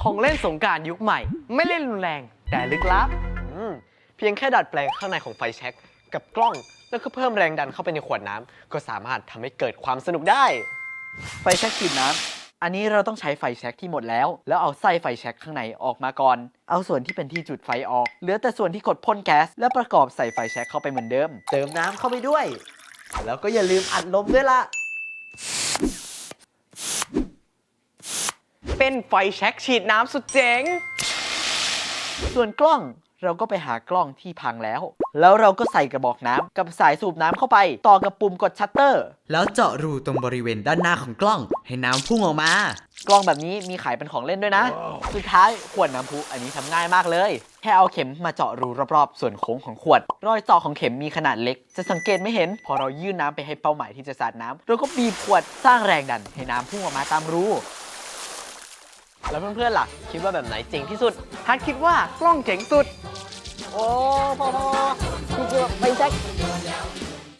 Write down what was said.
ของเล่นสงกรานต์ยุคใหม่ ไม่เล่นรุนแรงแต่ลึกลับเพียงแค่ดัดแปลงข้างในของไฟแช็กกับกล้องแล้วก็เพิ่มแรงดันเข้าไปในขวดน้ำก็สามารถทำให้เกิดความสนุกได้ไฟแช็กฉีดน้ำอันนี้เราต้องใช้ไฟแช็กที่หมดแล้วเอาไส้ไฟแช็กข้างในออกมาก่อนเอาส่วนที่เป็นที่จุดไฟออกเหลือแต่ส่วนที่กดพ่นแก๊สแล้วประกอบใส่ไฟแช็กเข้าไปเหมือนเดิมเติมน้ำเข้าไปด้วยแล้วก็อย่าลืมอัดลมด้วยล่ะเป็นไฟแช็กฉีดน้ำสุดเจ๋งส่วนกล้องเราก็ไปหากล้องที่พังแล้วเราก็ใส่กระบอกน้ำกับสายสูบน้ำเข้าไปต่อกับปุ่มกดชัตเตอร์แล้วเจาะรูตรงบริเวณด้านหน้าของกล้องให้น้ำพุ่งออกมากล้องแบบนี้มีขายเป็นของเล่นด้วยนะ สุดท้ายขวดน้ำพุอันนี้ทำง่ายมากเลยแค่เอาเข็มมาเจาะรูรอบๆส่วนโค้งของขวดรอยเจาะของเข็มมีขนาดเล็กจะสังเกตไม่เห็นพอเรายื่นน้ำไปให้เป้าหมายที่จะสาดน้ำเราก็บีบขวดสร้างแรงดันให้น้ำพุ่งออกมาตามรูแล้วเพื่อนๆล่ะคิดว่าแบบไหนเจ๋งที่สุดฮัทคิดว่ากล้องเจ๋งสุดโอ้พอคือไฟแช็ก